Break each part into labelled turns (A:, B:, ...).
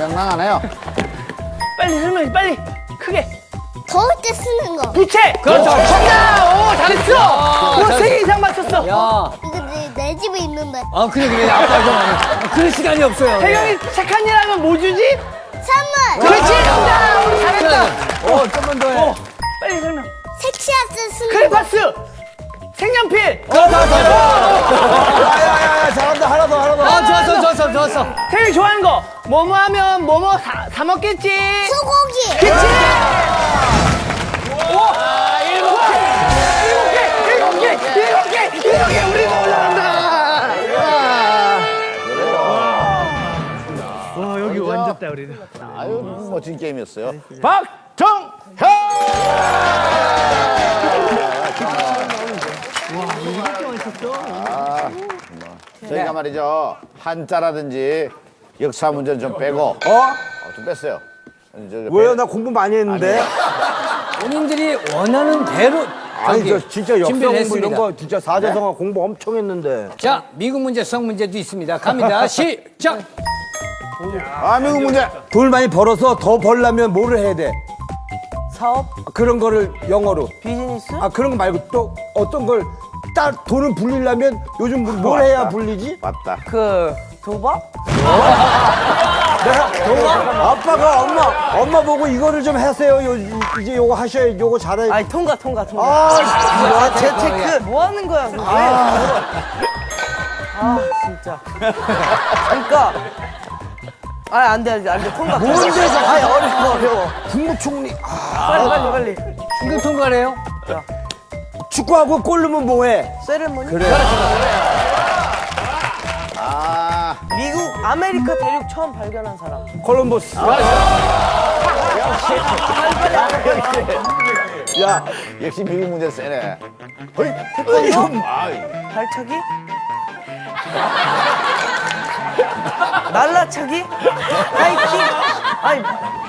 A: 명랑하네요.
B: 빨리 설명해, 빨리. 크게.
C: 더울 때 쓰는 거.
B: 부채!
D: 그렇죠.
B: 정답! 오, 잘했어! 오, 3개 이상 맞췄어.
D: 야.
C: 이거 내 집에 있는데.
D: 아, 그래. 아빠 좀. 그럴 시간이 없어요.
B: 태경이 착한 일 하면 뭐 주지?
C: 선물.
B: 그렇지, 정답! 우리 잘했다.
D: 좀만 더 해.
B: 빨리 설명.
C: 섹시할 때 쓰는 거.
B: 크레파스! 색연필!
A: 야야야 잘한다 하나 더.
D: 아, 좋았어.
B: 태경이 좋아하는 거. 뭐뭐 하면 뭐뭐 사 먹겠지?
C: 소고기.
B: 그치? 일곱 개! 우리가 올라간다! 와, 여기 완졌다, 우리는.
A: 아유 멋진 게임이었어요.
B: 박정현!
A: 저희가 말이죠 한자라든지 역사 문제는 좀 빼고 좀 뺐어요.
E: 왜요? 나 공부 많이 했는데.
D: 본인들이 원하는 대로
E: 아니
D: 저기
E: 저 진짜 역사
D: 준비를
E: 공부
D: 했습니다.
E: 이런 거 진짜 사자성어 공부 엄청 했는데.
D: 자, 미국 문제, 수학 문제도 있습니다. 갑니다. 시작.
A: 미국 문제.
E: 돈을 많이 벌어서 더 벌려면 뭐를 해야 돼?
F: 사업?
E: 그런 거를 영어로.
F: 비즈니스?
E: 그런 거 말고 또 어떤 걸 돈을 불리려면 요즘 뭘 해야 불리지?
A: 맞다.
F: 그 도박?
E: 아빠가 엄마 보고 이거를 좀 하세요. 이제 요거 하셔야 요거 잘해.
F: 아니 통과.
E: 재테크.
F: 뭐 하는 거야? 그거 왜? 진짜. 그러니까. 안 돼. 통과.
E: 뭔데 저거?
F: 아니 어려워.
E: 국무총리.
F: 빨리.
D: 이거 통과래요?
E: 축구하고 골 넣으면 뭐해?
F: 세레머니?
E: 그래.
F: 미국 아메리카 대륙 처음 발견한 사람.
E: 콜럼버스.
A: 야 역시 미국 문제 세네. 허이.
F: 태권도? 발차기? 날라차기? 하이킹? 아니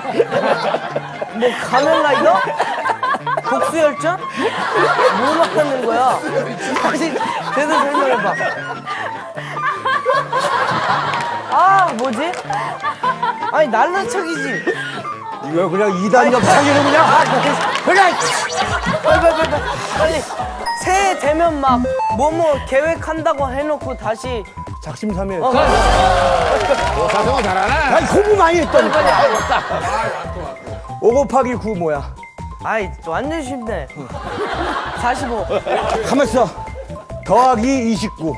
F: 뭐 가면라이더? 복수열전? 뭐 막하는 거야? 다시 제대로 설명해봐. 뭐지? 아니 날라차기지.
E: 이거 그냥 2단 옆차기로 그냥.
F: 그래! 빨리. 새해 되면 막 뭐뭐 계획한다고 해놓고 다시
E: 작심삼일.
A: 사성어 잘하네.
E: 아니 공부 많이 했다니까. 5 곱하기 9 뭐야?
F: 아이 완전 쉽네. 45
E: 가만 있어. 더하기 29.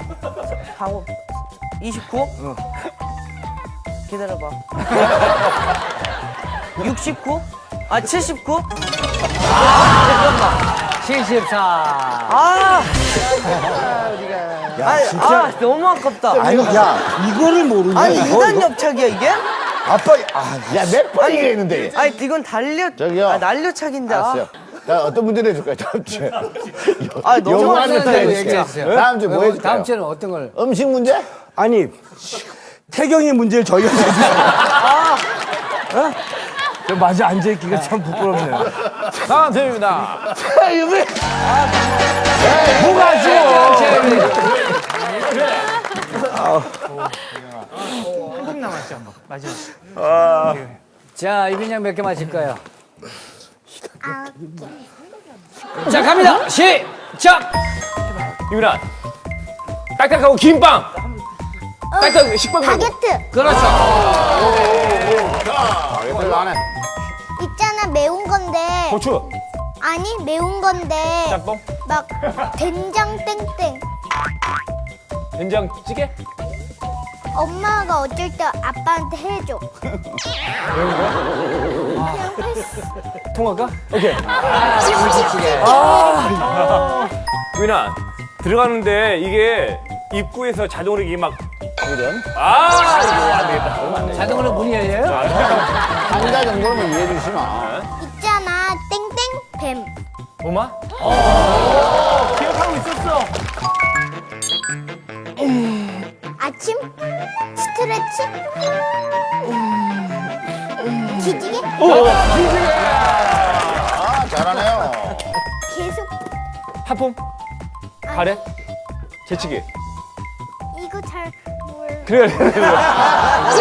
F: 29? 기다려봐. 69? 79? 잠깐만.
D: 74.
F: 너무 아깝다.
E: 아니 야 이거를 모르냐?
F: 아니 2단 옆차기야 이게?
E: 아빠
A: 야몇 번 얘기했는데.
F: 아니 이건
A: 저기요.
F: 날려차기인데.
A: 알았어요. 자 어떤 문제를 해줄까요 다음 주에?
F: 너무
A: 영어하는
D: 어려운
A: 거
D: 대로
A: 해줄게요.
D: 얘기해주세요.
A: 다음 주에 뭐 해줄까요?
D: 다음 주에는 어떤 걸?
A: 음식 문제?
E: 아니 태경이 문제를 저희가 내주세요. 저 마주 앉아있기가 참 부끄럽네요.
A: 다음 팀입니다. 유미.
E: 뭐가 아쉬워?
B: 한국 남았죠, 뭐. 마지막.
D: 자, 이빈양 몇 개 맞힐까요? 자, 갑니다. 시작.
G: 유민아 딱딱하고 긴 빵. 딱딱하고 식빵 말고.
C: 바게트.
D: 그렇죠.
A: 별로 안 해.
C: 있잖아 매운 건데.
G: 고추.
C: 아니 매운 건데.
G: 짬뽕.
C: 막 된장 땡땡.
G: 된장찌개.
C: 엄마가 어쩔 때 아빠한테 해줘. 그냥 패스.
G: 통할까? 오케이. 유민아 들어가는데 이게 입구에서 자동으로 이게 막
A: 이런.
G: 이거 안 되겠다. 그러면 안 돼.
D: 자동으로 문이 열려요?
A: 한자 정도는 이해해 주시면.
C: 있잖아 땡땡 뱀.
G: 엄마?
B: 기억하고 있었어.
C: 아침 스트레치. 기지개.
A: 잘하네요.
C: 계속
G: 하품. 가래. 재치기.
C: 이거 잘 몰라.
G: 그래.